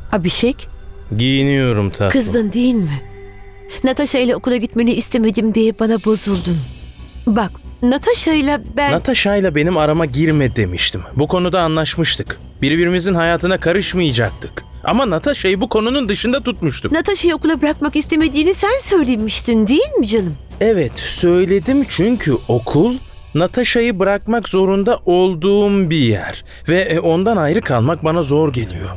Abhishek, Giyiniyorum tatlım. kızdın değil mi? Natasha ile okula gitmeni istemedim diye bana bozuldun. Bak, Natasha ile ben... Natasha ile benim arama girme demiştim. Bu konuda anlaşmıştık. Birbirimizin hayatına karışmayacaktık. Ama Natasha'yı bu konunun dışında tutmuştuk. Natasha'yı okula bırakmak istemediğini sen söylemiştin değil mi canım? Evet, söyledim çünkü okul Natasha'yı bırakmak zorunda olduğum bir yer. Ve ondan ayrı kalmak bana zor geliyor.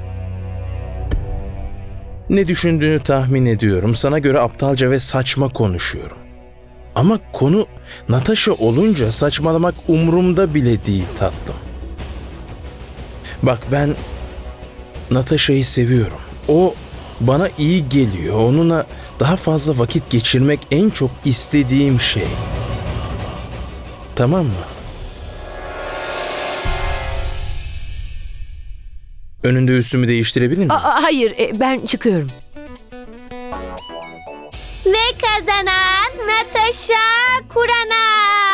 Ne düşündüğünü tahmin ediyorum. Sana göre aptalca ve saçma konuşuyorum. Ama konu Natasha olunca saçmalamak umurumda bile değil tatlım. Bak ben Natasha'yı seviyorum. O bana iyi geliyor. Onunla daha fazla vakit geçirmek en çok istediğim şey. Tamam mı? Önünde üstümü değiştirebilir miyim? Hayır, ben çıkıyorum. Ve kazanan Natasha Kurana.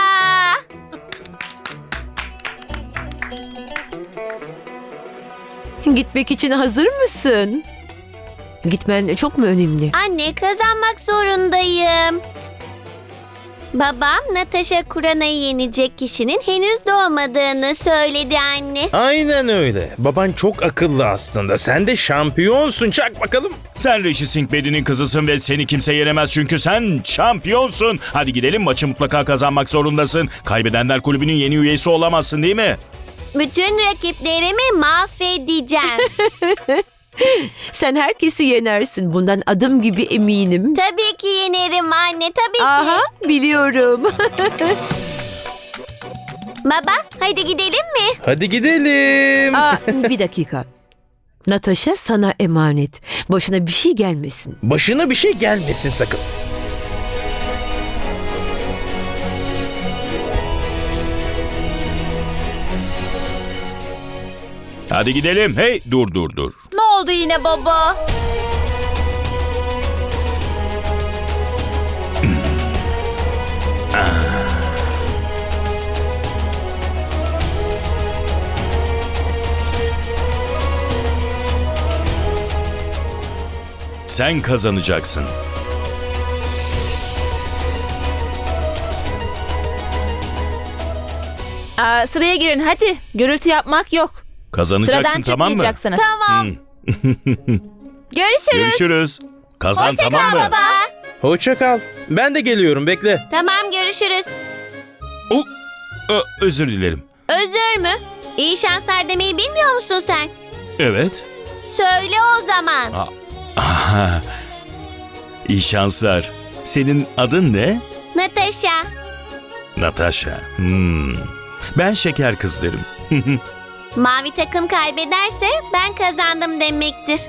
Gitmek için hazır mısın? Gitmen çok mu önemli? Anne, kazanmak zorundayım. Babam Natasha Kurana'yı yenecek kişinin henüz doğmadığını söyledi anne. Aynen öyle. Baban çok akıllı aslında. Sen de şampiyonsun. Çak bakalım. Sen Rishi Singh Bedi'nin kızısın ve seni kimse yenemez çünkü sen şampiyonsun. Hadi gidelim, maçı mutlaka kazanmak zorundasın. Kaybedenler kulübünün yeni üyesi olamazsın değil mi? Bütün rakiplerimi mahvedeceğim. Sen herkesi yenersin. Bundan adım gibi eminim. Tabii ki yenerim anne, tabii Aha, ki. biliyorum. Baba, hadi gidelim mi? Hadi gidelim. Bir dakika. Natasha sana emanet. Başına bir şey gelmesin. Başına bir şey gelmesin sakın. Hadi gidelim. Hey, dur. Ne oldu yine baba? Sen kazanacaksın. Sıraya girin hadi. Gürültü yapmak yok. Kazanacaksın, Sıradan tamam mı? çıkmayacaksınız. Tamam. Görüşürüz. Görüşürüz. Kazan, Hoşça tamam kal mı? baba. Hoşça kal. Ben de geliyorum. Bekle. Tamam, görüşürüz. Özür dilerim. Özür mü? İyi şanslar demeyi bilmiyor musun sen? Evet. Söyle o zaman. Aha. İyi şanslar. Senin adın ne? Natasha. Natasha. Ben şeker kız derim. Mavi takım kaybederse ben kazandım demektir.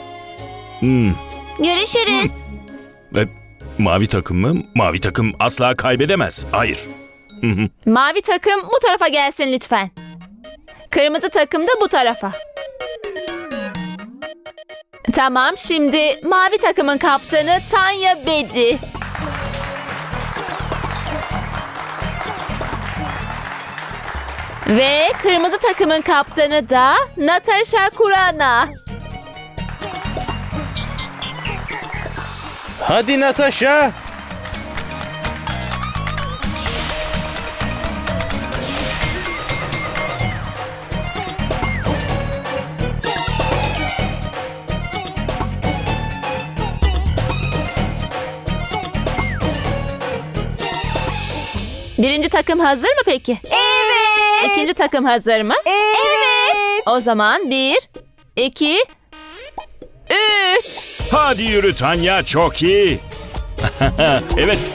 Görüşürüz. Mavi takım mı? Mavi takım asla kaybedemez. Hayır. Mavi takım bu tarafa gelsin lütfen. Kırmızı takım da bu tarafa. Tamam, şimdi mavi takımın kaptanı Tanya Bedi. Ve kırmızı takımın kaptanı da Natasha Kurana. Hadi Natasha. Birinci takım hazır mı peki? Evet. İkinci takım hazır mı? Evet. O zaman 1, 2, 3. Hadi yürü Tanya, çok iyi. Evet.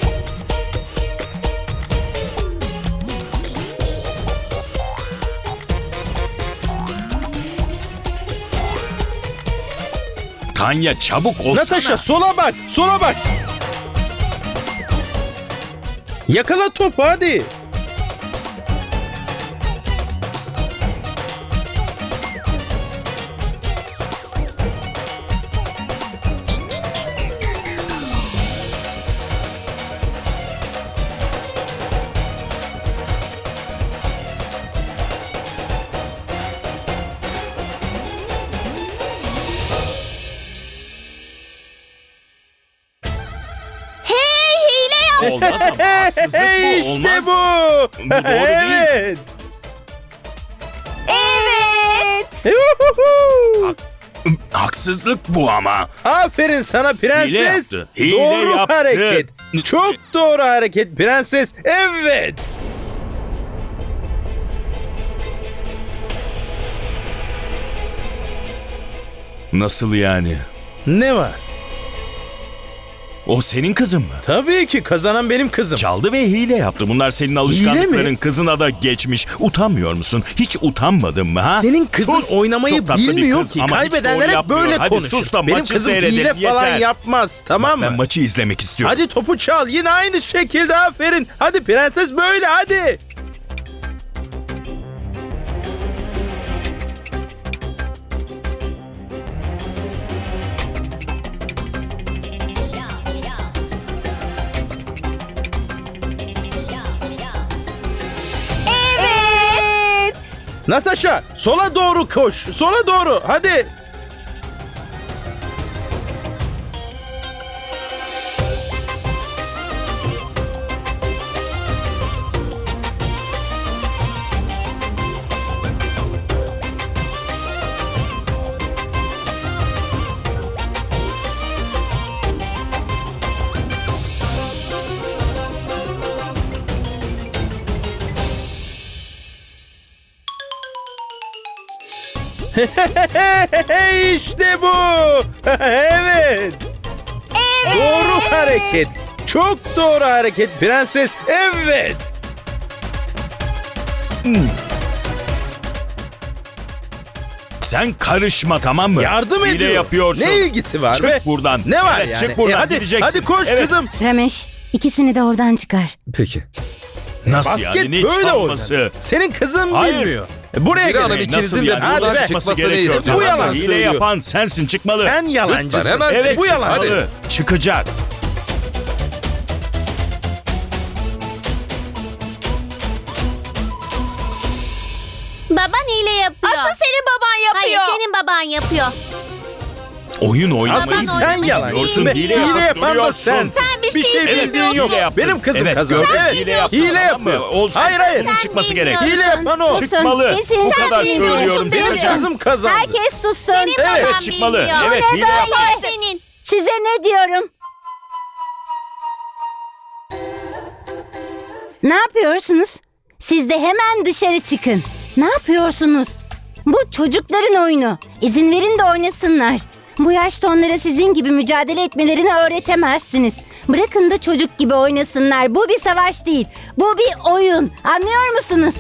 Tanya, çabuk olsana. Natasha sola bak. Sola bak. Yakala topu hadi. olmaz ama haksızlık bu. İşte Olmaz. bu. Bu doğru değil. Evet. Haksızlık bu ama. Aferin sana prenses. Hile yaptı. Hile Doğru yaptı. hareket. Çok doğru hareket prenses. Evet. Nasıl yani? Ne var? O senin kızın mı? Tabii ki kazanan benim kızım. Çaldı ve hile yaptı. Bunlar senin alışkanlıkların. Kızına da geçmiş. Utanmıyor musun? Hiç utanmadın mı ha? Senin kızın Sus! oynamayı Çok tatlı bir bilmiyor kız ki. ama hiç Kaybedenler doğru hep böyle yapmıyor. Hadi konuşur. sus da Benim maçı kızım hile seyredelim. falan Yeter. yapmaz. Tamam mı? Ben maçı izlemek istiyorum. Hadi topu çal. Yine aynı şekilde aferin. Hadi prenses böyle hadi. Evet. Natasha sola doğru koş. Sola doğru hadi. İşte bu. Evet. Doğru hareket. Çok doğru hareket prenses. Evet. Sen karışma, tamam mı? Yardım Hile ediyor. yapıyorsun. Ne ilgisi var Çık be? buradan. Ne var Evet, yani? Çık buradan, hadi, gideceksin. hadi koş Evet. kızım. Ramesh, ikisini de oradan çıkar. Peki. Nasıl Basket yani? Ne böyle çalması? oynanır. Senin kızın Hayır. bilmiyor. Buraya Bir hanım gelin. ikinizin Nasıl de yani? Hadi buradan be. Çıkması çıkmasını gerekiyor. istiyorum. Bu yalan Hile söylüyor. yapan sensin, çıkmalı. Sen yalancısın. Lütfen hemen Evet, bu yalan. çıkmalı. Çıkacak. Baban hile yapıyor. Asıl senin baban yapıyor. Hayır, senin baban yapıyor. Oyun Asıl oynamayı Baban sen oynamayı yalancısın. bilmiyor. Hile Hile yapan da duruyorsun. sensin. Sen bir şey bildiğin bilmiyorsun. yok. Hile yaptın. Benim kızım Evet, kazandı. gördüm. Evet. Hile yaptın, Hile tamam mı? yapıyor. Olsun. Hayır hayır. Bunun çıkması gerek. bilmiyorsun. Hile yapan o. Çıkmalı. Kesin Bu sen kadar bilmiyorsun söylüyorum. değil mi? Benim Bitireceğim. kızım kazandı. Herkes sussun. Senin Evet, baban çıkmalı. bilmiyor. Evet, O ne hile yaptı. böyle? Senin. Size ne diyorum? Ne yapıyorsunuz? Siz de hemen dışarı çıkın. Ne yapıyorsunuz? Bu çocukların oyunu. İzin verin de oynasınlar. Bu yaşta onlara sizin gibi mücadele etmelerini öğretemezsiniz. Bırakın da çocuk gibi oynasınlar. Bu bir savaş değil. Bu bir oyun. Anlıyor musunuz?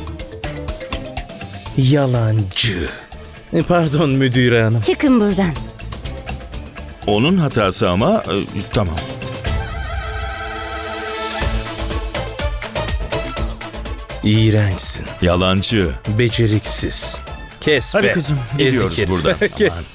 Yalancı. Pardon müdüre hanım. Çıkın buradan. Onun hatası ama tamam. İğrençsin. Yalancı. Beceriksiz. Kes Hadi be. kızım, Ezik gidiyoruz herif. buradan. Kes.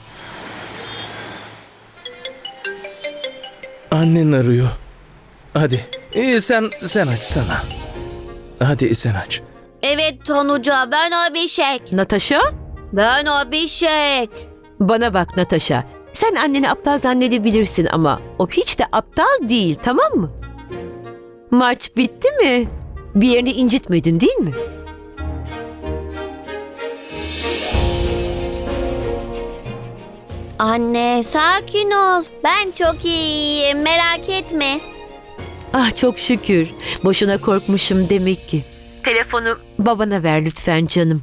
Annen arıyor. Hadi. Sen açsana. Hadi sen aç. Evet Tonuca, ben Abişek. Natasha? Ben Abişek. Bana bak Natasha. Sen anneni aptal zannedebilirsin ama o hiç de aptal değil, tamam mı? Maç bitti mi? Bir yerini incitmedin değil mi? Anne, sakin ol. Ben çok iyiyim, merak etme. Ah çok şükür. Boşuna korkmuşum demek ki. Telefonu babana ver lütfen canım.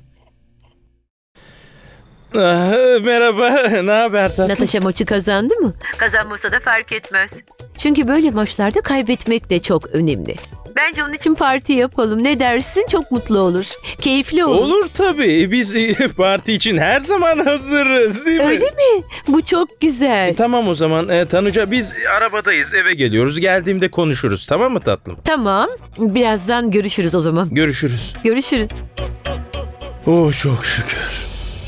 Merhaba. Ne haber tatlım? Natasha maçı kazandı mı? Kazanmasa da fark etmez. Çünkü böyle maçlarda kaybetmek de çok önemli. Bence onun için parti yapalım. Ne dersin? Çok mutlu olur. Keyifli olur. Olur tabii. Biz parti için her zaman hazırız değil mi? Öyle mi? Bu çok güzel. Tamam o zaman Tanuca biz arabadayız eve geliyoruz. Geldiğimde konuşuruz tamam mı tatlım? Tamam. Birazdan görüşürüz o zaman. Görüşürüz. Görüşürüz. Oh çok şükür.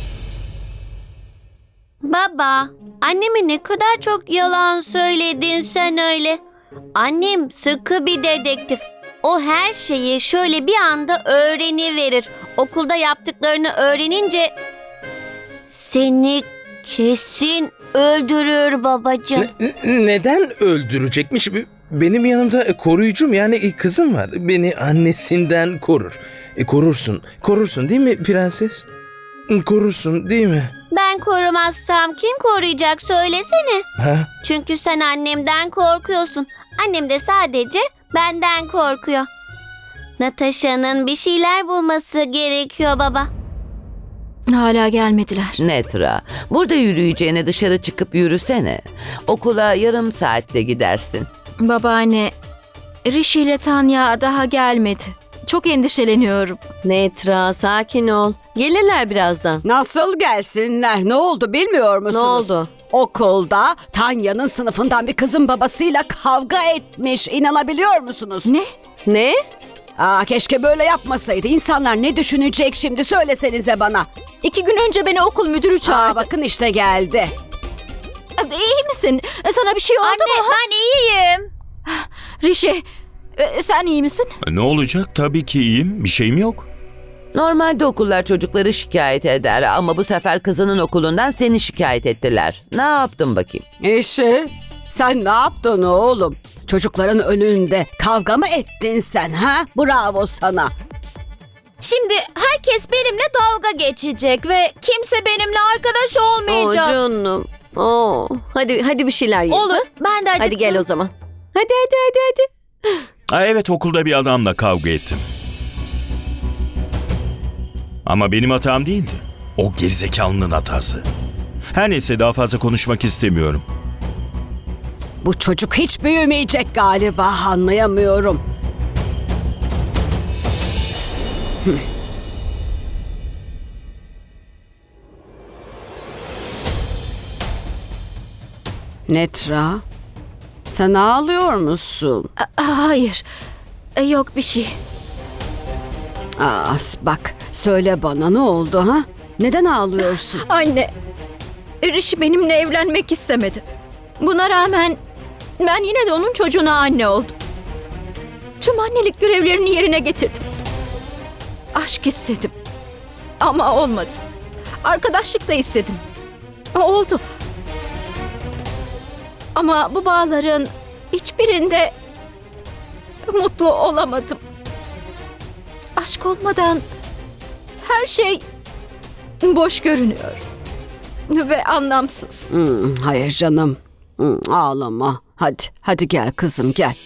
Baba, anneme ne kadar çok yalan söyledin sen öyle. Annem sıkı bir dedektif. O her şeyi şöyle bir anda öğreniverir. Okulda yaptıklarını öğrenince seni kesin öldürür babacığım. Neden öldürecekmiş? benim yanımda koruyucum yani kızım var. Beni annesinden korur. Korursun değil mi prenses? Korursun değil mi? Ben korumazsam kim koruyacak söylesene. Ha? Çünkü sen annemden korkuyorsun. Annem de sadece benden korkuyor. Natasha'nın bir şeyler bulması gerekiyor baba. Hala gelmediler. Netra, burada yürüyeceğine dışarı çıkıp yürüsene. Okula yarım saatte gidersin. Babaanne, Rishi ile Tanya daha gelmedi. Çok endişeleniyorum. Netra, sakin ol. Gelirler birazdan. Nasıl gelsinler? Ne oldu bilmiyor Ne musunuz? oldu? Okulda Tanya'nın sınıfından bir kızın babasıyla kavga etmiş. İnanabiliyor musunuz? Ne? Keşke böyle yapmasaydı. İnsanlar ne düşünecek şimdi söylesenize bana. 2 gün önce beni okul müdürü çağırdı. Bakın işte geldi. İyi misin? Sana bir şey oldu mu? Ben iyiyim. Rishi, sen iyi misin? Ne olacak? Tabii ki iyiyim. Bir şeyim yok. Normalde okullar çocukları şikayet eder ama bu sefer kızının okulundan seni şikayet ettiler. Ne yaptın bakayım? Rishi, sen ne yaptın oğlum? Çocukların önünde kavga mı ettin sen ha? Bravo sana. Şimdi herkes benimle dalga geçecek ve kimse benimle arkadaş olmayacak. Canım. Hadi bir şeyler yiyelim. Olur. Ben de acıktım. Hadi gel o zaman. Hadi. Evet, okulda bir adamla kavga ettim. Ama benim hatam değildi. O gerizekalının hatası. Her neyse, daha fazla konuşmak istemiyorum. Bu çocuk hiç büyümeyecek galiba, anlayamıyorum. Netra, sen ağlıyor musun? Hayır, yok bir şey. Bak, söyle bana ne oldu ha? Neden ağlıyorsun? Anne, Rishi benimle evlenmek istemedi. Buna rağmen ben yine de onun çocuğuna anne oldum. Tüm annelik görevlerini yerine getirdim. Aşk istedim. Ama olmadı. Arkadaşlık da istedim. Oldu. Ama bu bağların hiçbirinde mutlu olamadım. Aşk olmadan her şey boş görünüyor. Ve anlamsız. Hayır canım. Ağlama. Hadi gel kızım, gel.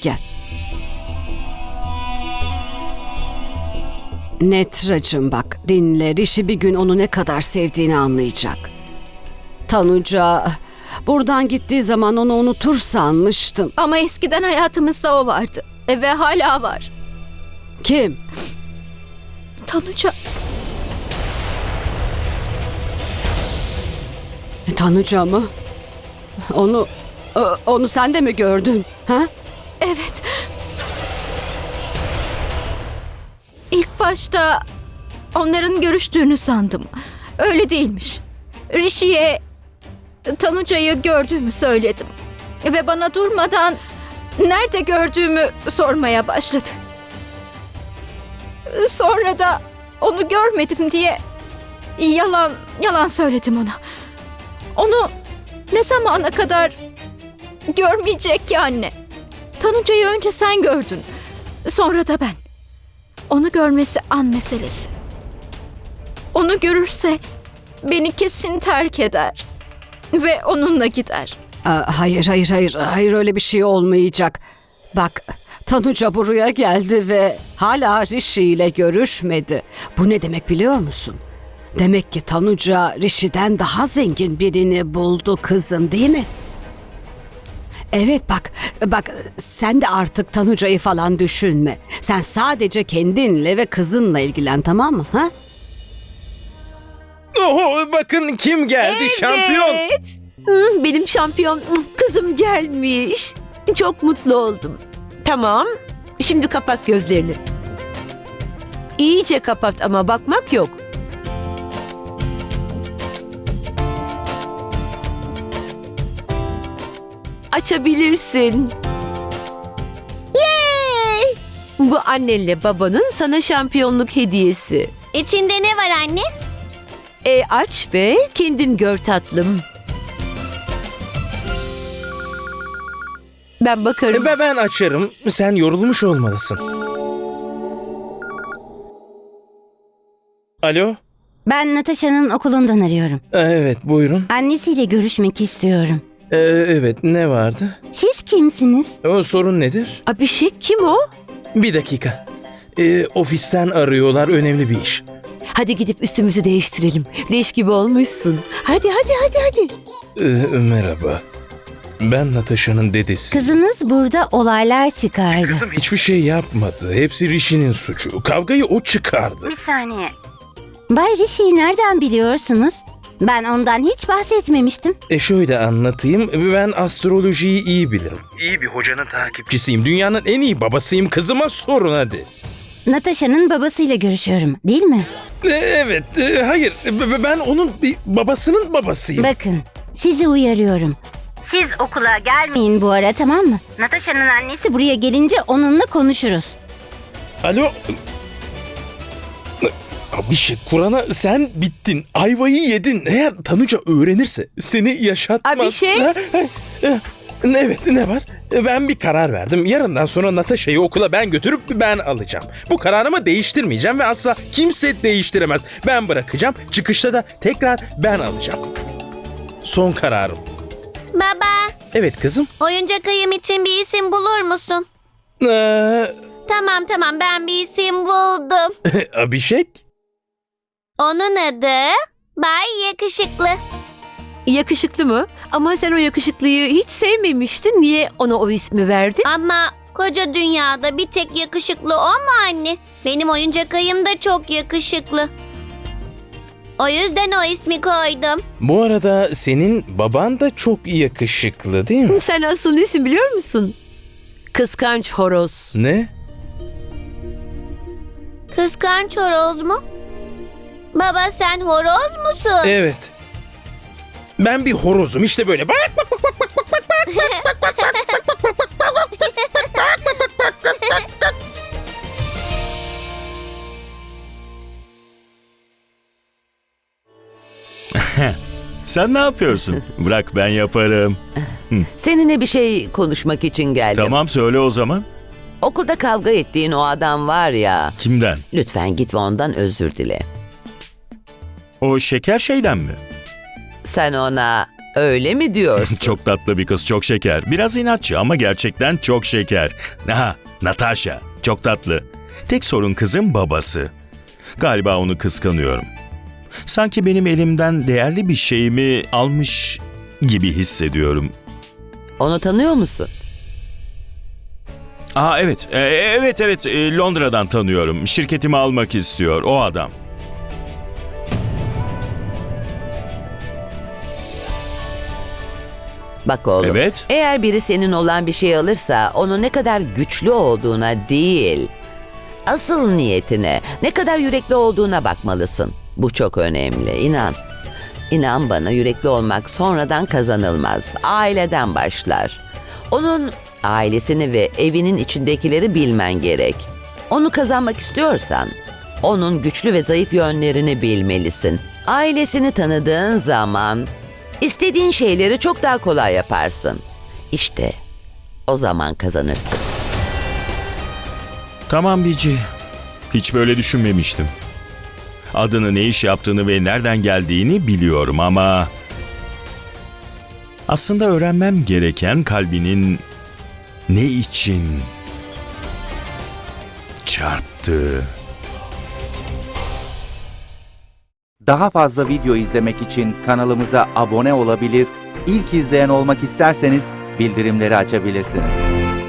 Netracığım bak, dinle. Rishi bir gün onu ne kadar sevdiğini anlayacak. Tanuca, buradan gittiği zaman onu unutur sanmıştım. Ama eskiden hayatımızda o vardı. Ve hala var. Kim? Tanuca. Tanuca mı? Onu sen de mi gördün? Ha? Evet. İlk başta onların görüştüğünü sandım. Öyle değilmiş. Rishi'ye Tanuca'yı gördüğümü söyledim. Ve bana durmadan nerede gördüğümü sormaya başladı. Sonra da onu görmedim diye yalan söyledim ona. Onu ne zamana kadar görmeyecek ki anne? Tanuca'yı önce sen gördün. Sonra da ben. Onu görmesi an meselesi. Onu görürse beni kesin terk eder. Ve onunla gider. Hayır öyle bir şey olmayacak. Bak, Tanuca buraya geldi ve hala Rishi ile görüşmedi. Bu ne demek biliyor musun? Demek ki Tanuca Rishi'den daha zengin birini buldu kızım, değil mi? Evet bak sen de artık Tanuca'yı falan düşünme. Sen sadece kendinle ve kızınla ilgilen, tamam mı? Ha? Bakın kim geldi, şampiyon. Benim şampiyon kızım gelmiş. Çok mutlu oldum. Tamam. Şimdi kapat gözlerini. İyice kapat ama bakmak yok. Açabilirsin. Yay! Bu annenle babanın sana şampiyonluk hediyesi. İçinde ne var anne? Aç ve kendin gör tatlım. Ben bakarım. Ben açarım. Sen yorulmuş olmalısın. Alo? Ben Natasha'nın okulundan arıyorum. Evet, buyurun. Annesiyle görüşmek istiyorum. Evet, ne vardı? Siz kimsiniz? O sorun nedir? Abhishek kim o? Bir dakika. Ofisten arıyorlar, önemli bir iş. Hadi gidip üstümüzü değiştirelim. Leş gibi olmuşsun. Hadi. Merhaba. Ben Natasha'nın dedesi. Kızınız burada olaylar çıkardı. Kızım hiçbir şey yapmadı. Hepsi Rishi'nin suçu. Kavgayı o çıkardı. Bir saniye. Bay Rishi'yi nereden biliyorsunuz? Ben ondan hiç bahsetmemiştim. Şöyle anlatayım. Ben astrolojiyi iyi bilirim. İyi bir hocanın takipçisiyim. Dünyanın en iyi babasıyım. Kızıma sorun hadi. Natasha'nın babasıyla görüşüyorum, değil mi? Evet, hayır. Ben onun babasının babasıyım. Bakın, sizi uyarıyorum. Siz okula gelmeyin bu ara, tamam mı? Natasha'nın annesi buraya gelince onunla konuşuruz. Alo. Abhishek, Kur'an'a sen bittin. Ayvayı yedin. Eğer Tanuca öğrenirse seni yaşatmaz. Abhishek? Evet, ne var? Ben bir karar verdim. Yarından sonra Natasha'yı okula ben götürüp ben alacağım. Bu kararımı değiştirmeyeceğim ve asla kimse değiştiremez. Ben bırakacağım. Çıkışta da tekrar ben alacağım. Son kararım. Baba, Evet kızım. oyuncak ayım için bir isim bulur musun? Tamam ben bir isim buldum. Abhishek? Onun adı Bay Yakışıklı. Yakışıklı mı? Ama sen o yakışıklıyı hiç sevmemiştin. Niye ona o ismi verdin? Ama koca dünyada bir tek yakışıklı o mu anne? Benim oyuncak ayım da çok yakışıklı. O yüzden o ismi koydum. Bu arada senin baban da çok yakışıklı değil mi? Sen asıl nesin biliyor musun? Kıskanç horoz. Ne? Kıskanç horoz mu? Baba sen horoz musun? Evet. Ben bir horozum işte böyle. Bak. Sen ne yapıyorsun? Bırak ben yaparım. Seninle bir şey konuşmak için geldim. Tamam söyle o zaman. Okulda kavga ettiğin o adam var ya. Kimden? Lütfen git ve ondan özür dile. O şeker şeyden mi? Sen ona öyle mi diyorsun? Çok tatlı bir kız, çok şeker. Biraz inatçı ama gerçekten çok şeker. Ha, Natasha. Çok tatlı. Tek sorun kızın babası. Galiba onu kıskanıyorum. Sanki benim elimden değerli bir şeyimi almış gibi hissediyorum. Onu tanıyor musun? Evet. Evet. Londra'dan tanıyorum. Şirketimi almak istiyor o adam. Bak oğlum. Evet. Eğer biri senin olan bir şey alırsa onun ne kadar güçlü olduğuna değil, asıl niyetine, ne kadar yürekli olduğuna bakmalısın. Bu çok önemli, inan. İnan bana, yürekli olmak sonradan kazanılmaz. Aileden başlar. Onun ailesini ve evinin içindekileri bilmen gerek. Onu kazanmak istiyorsan, onun güçlü ve zayıf yönlerini bilmelisin. Ailesini tanıdığın zaman istediğin şeyleri çok daha kolay yaparsın. İşte o zaman kazanırsın. Tamam Bici. Hiç böyle düşünmemiştim. Adını, ne iş yaptığını ve nereden geldiğini biliyorum ama... Aslında öğrenmem gereken kalbinin ne için çarptığı. Daha fazla video izlemek için kanalımıza abone olabilir, ilk izleyen olmak isterseniz bildirimleri açabilirsiniz.